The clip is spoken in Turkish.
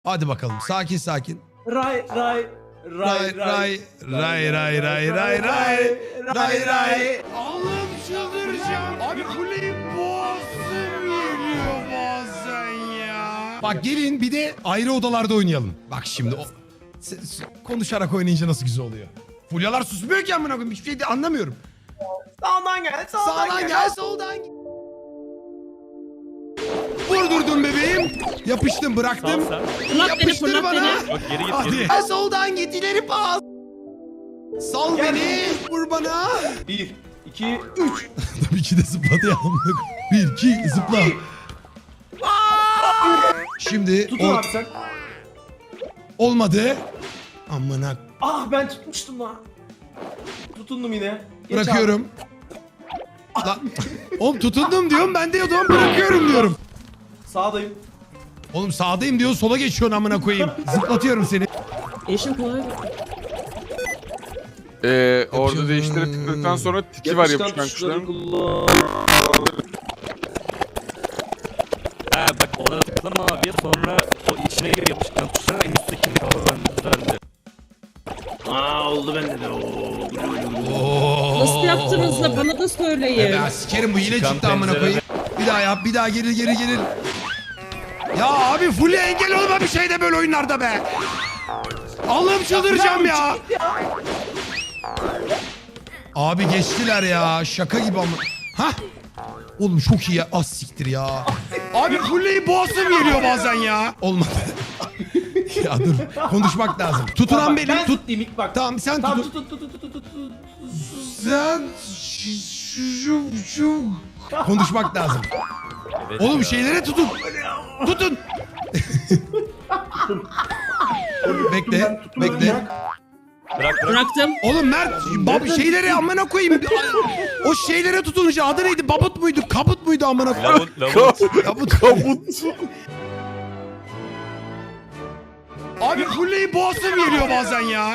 Hadi bakalım sakin sakin. Ray. Allah'ım çıldıracağım. Abi kuleyi boğazım geliyor bazen ya. Bak gelin bir de ayrı odalarda oynayalım. Bak şimdi konuşarak oynayınca nasıl güzel oluyor. Fulyalar susmuyor ki amına koyayım. Hiçbir şey de anlamıyorum. Sağdan gel. Sağdan gel, soldan gel. Vurdurdum bebeğim. Yapıştım, bıraktım. Yapıştır bana. Bak geri git Hadi. geri. Ha, soldan git, ileri pas. Sal Gel. beni. Vur bana. 1, 2, 3. Tabii ki de zıpladı ya. 1, 2, zıpla. Şimdi Tutun abi sen. olmadı. Amına. Ah ben tutmuştum lan. Tutundum yine. Geç Bırakıyorum. Lan, oğlum tutundum diyorum, ben de o zaman bırakıyorum diyorum. Abi. Sağdayım. Oğlum sağdayım diyor, sola geçiyorsun amına koyayım. Zıplatıyorum seni. Eşim kolay. Orada değiştirip tıkladıktan sonra tiki var yapışkan kuşların. Ha bak ona tıklama abi sonra o içine gir yapışkan tuşlara en üsttekini kavramlardı. Oldu bende de. Nasıl yaptınız da bana da söyleyin. Ya sikerim, bu yine Çıkan çıktı amına koyayım. Bir daha yap, bir daha gelir. Ya abi full engel olma bir şeyde böyle oyunlarda be. Allah'ım çıldıracağım ya. Abi geçtiler ya, şaka gibi ama. Hah. Oğlum çok iyi ya, az siktir ya. Abi fulleyi boğazım geliyor bazen ya. Olmadı. Ya dur, konuşmak lazım. Tutunan benim, Ben tut. tutayım ilk bak. Tamam sen Tamam tut. tut. Sen şu konuşmak lazım. Evet Oğlum ya. şeylere tutun. Tutun. Bekle. Bırak. Bıraktım. Oğlum Mert şeylere amına koyayım. O şeylere tutununca adı neydi? Babut muydu? Kabut muydu amına koyayım? Lavun. Kabut. Abi fulleyi boğazım geliyor bazen ya.